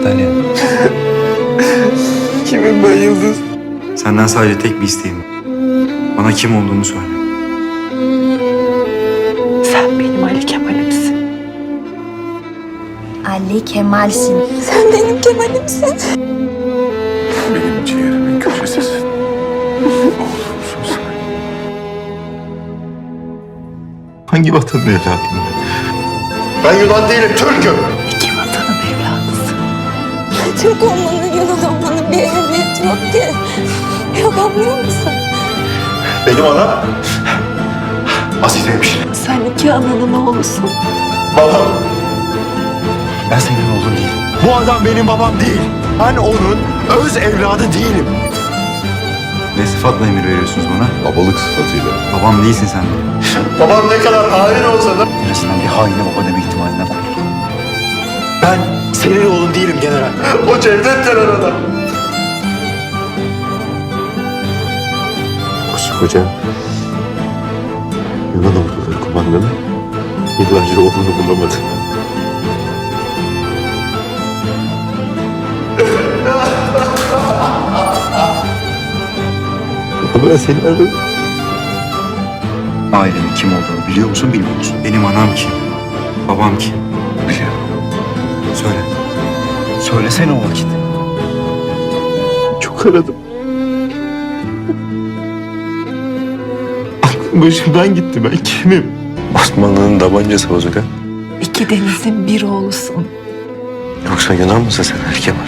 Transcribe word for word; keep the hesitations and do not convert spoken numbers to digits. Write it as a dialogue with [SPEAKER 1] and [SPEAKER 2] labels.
[SPEAKER 1] Dalya.
[SPEAKER 2] Kimim ben Yıldız?
[SPEAKER 1] Senden sadece tek bir isteğim var. Bana kim olduğunu söyle.
[SPEAKER 3] Sen benim Ali Kemal'imsin.
[SPEAKER 4] Ali Kemal'sin.
[SPEAKER 3] Sen benim Kemal'imsin.
[SPEAKER 2] Benim ciğerimin köşesisin. Oğlumsun sen. Hangi vatanın evladıyım ben? Ben Yunan değilim, Türk'üm.
[SPEAKER 3] İki vatanın evladısın. Türk olmanın, Yunan olmanın bir ehemmiyeti yok ki. Yok, anlıyor musun?
[SPEAKER 2] Benim anam Azize'ymiş.
[SPEAKER 3] Sen iki ananın oğlusun.
[SPEAKER 2] Babam.
[SPEAKER 1] Ben senin oğlun değilim.
[SPEAKER 2] Bu adam benim babam değil. Ben onun öz evladı değilim.
[SPEAKER 1] Ne sıfatla emir veriyorsunuz bana?
[SPEAKER 2] Babalık sıfatıyla.
[SPEAKER 1] Babam değilsin sen benim.
[SPEAKER 2] Babam ne kadar hain olsa da
[SPEAKER 1] En azından bir haine baba deme ihtimalinden kurtul.
[SPEAKER 2] ben senin oğlun değilim general. O Cevdet denen adam. Koskoca Yunan orduları kumandanı yıllarca oğlunu bulamadı. Ben seni aradım.
[SPEAKER 1] Ailemin kim olduğunu biliyor musun, bilmiyor musun? Benim anam kim? Babam kim?
[SPEAKER 2] Biliyorum.
[SPEAKER 1] Söyle. Söylesene o vakit.
[SPEAKER 2] Çok aradım. Aklım başımdan gitti. Ben kimim? Osmanlı'nın tabancası bozuk ha?
[SPEAKER 3] İki denizin bir oğlusun.
[SPEAKER 2] Yoksa Yunan mısın sen Erkemal?